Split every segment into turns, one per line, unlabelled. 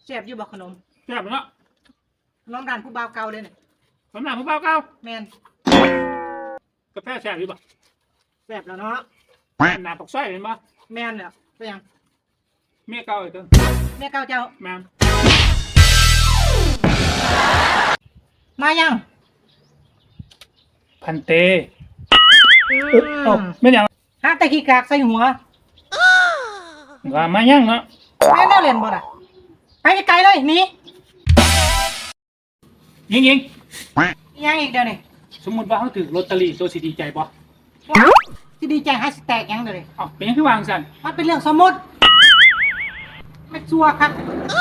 แซ่บอยู่บอกขนม
แซ่บเนาะ
น้องด่านผู้บ่าวเก่าเลยเนี่ย
สำหรับผู้บ่าวเก่า
แมน
กาแฟแซ่บอยู่บ่
แซ่บแล้วเนาะ
หนาปกสร้อยเห็นบ่
แมนเนี่ยไปยัง
เมียเก่าอีกตัว
เมียเก่าเจ้า
แม่
มายัง
พันเตไม่ยัง
ฮะแต่ขี้กากใส่หัว
ว่ามายังเนาะ
แม่แน่เรียนบ่ล่ะไปไกลเลยหนี
ยิง
ยังอีกเดี๋ยวนี้
สมมุติว่าเขาถือลอตเตอรี่ตัวสิดีใจบ่
ที่ดีใจให้สแตกยังเลย
เป็นยังคือวางสั่น
มันเป็นเรื่องสมมติไม่ชัวร์ครับ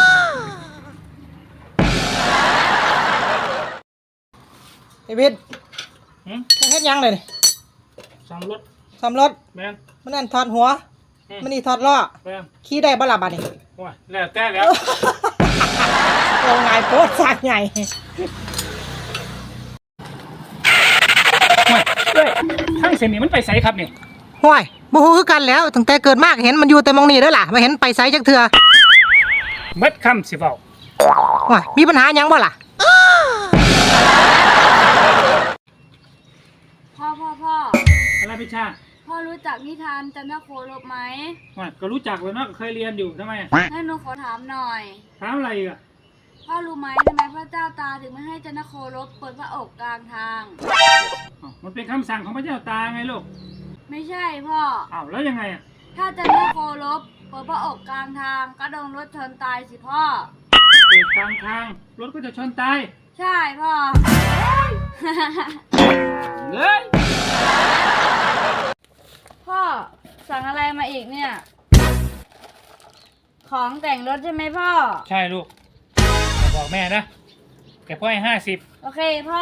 ไอ้บิดมันเฮ็ดยังเลย
ซ่อมรถ
ซ่อมรถ
แม่น
มันนั่นถอดหัวมันนี่ถอดล้อ
แม่น
ขี่ได้บ่ล่ะบัดนี้
ว้าแล้วแต่แล้ว
โอ้ไงโพสต์สากใหญ่
ทั้งเส้นนี้มันไปไสครับเนี่ย
ห้วยบ่ฮู้คือกันแล้วตั้งแต่เกิดมาเห็นมันอยู่แต่มองนี่เด้อล่ะไม่เห็นไปไสจักเทื่อ
เบิดคำสิเว้า
ห้วยมีปัญหาหยังบ่ล่ะ
พ่อ
อะไรพี่ชา
พ่อรู้จักนิทานจันทโคลบไหม
ก็รู้จักเลยเนาะเคยเรียนอยู่ทำไม
ให้หนูขอถามหน่อย
ถามอะไรอ่ะ
พ่อรู้ไหมทำไมพระเจ้าตาถึงไม่ให้จันทโคลบเปิดพระอกกลางทาง
มันเป็นคำสั่งของพระเจ้าตาไงลูก
ไม่ใช่พ่อ
แล้วยังไงอ่ะ
ถ้าจันทโคลบเปิดพระอกกลางทางก็โดนรถชนตายสิพ่อ
เปิดกลางทางรถก็จะชนตาย
ใช่พ่อ
เลย
พ่อสั่งอะไรมาอีกเนี่ยของแต่งรถใช่ไหมพ่อ
ใช่ลูกบอกแม่นะแกพ่อให้50
โอเคพ่อ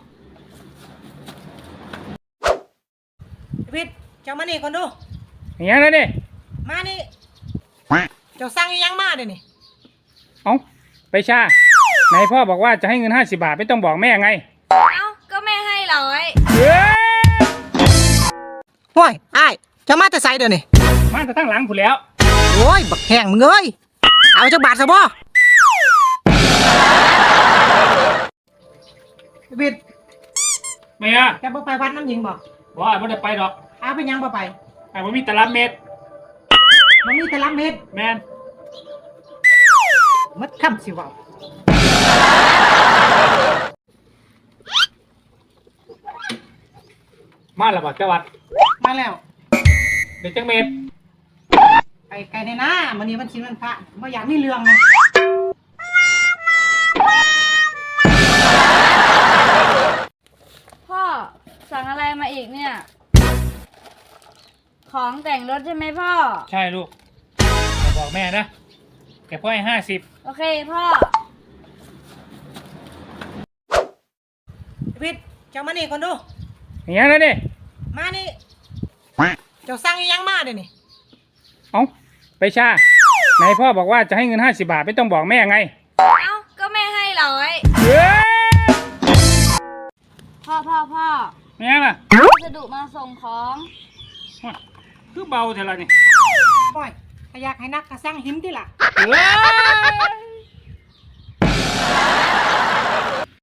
วิทย์เจ้ามานี่คนดู
อย่างนี้นะนี่
มานี่เจ้าสั่งยังมาเดี๋ยวนี้
ไปชาไหนพ่อบอกว่าจะให้เงิน50 บาทไม่ต้องบอกแม่ไง
ก็แม่ให้100
ห้วยอ้ายเจ้ามาแต่ไสเดี๋ยวนี้
มาแต่ทั้งหลังผู้แล้ว
โอ้ยบักแห้งมึงเอ้ยเอาจักบาทซะบ่วิทย์
ไม่อะ
แกบ่ไปวัดน้ำหญิงบ่
ไม่ได้ไปหรอก
เอาไปยังบ่ไป
มันมีตลับเม็ด
มันมีตลับเม็ด
แมน
มัดคำสิว่า
มาแล้วบ่จังหวัด
มาแล้ว
เด็กจังเม็ด
ไปไกลในหน้ามันนี้มันชิมันพระไม่อยากมีเรื่องนะ
พ่อสั่งอะไรมาอีกเนี่ยของแต่งรถใช่ไหมพ่อ
ใช่ลูกบอกแม่นะแกพ่อให้50
โอเคพ่อ
วิทย์เจ้ามานี่คนดู
อย่างนี้นะนี่
มานี่เจ้าสั่งยังมาเดี๋ยวนี้
ไปชาไหนพ่อบอกว่าจะให้เงิน50 บาทไม่ต้องบอกแม่ไง
ก็แม่ให้100พ่อ
เนี่ยล่ะ
จะดุมาส่งของ
คือเบาเท่าไรนี่
ปล่อยอยากให้นักกระสั่งหินดิล่ะ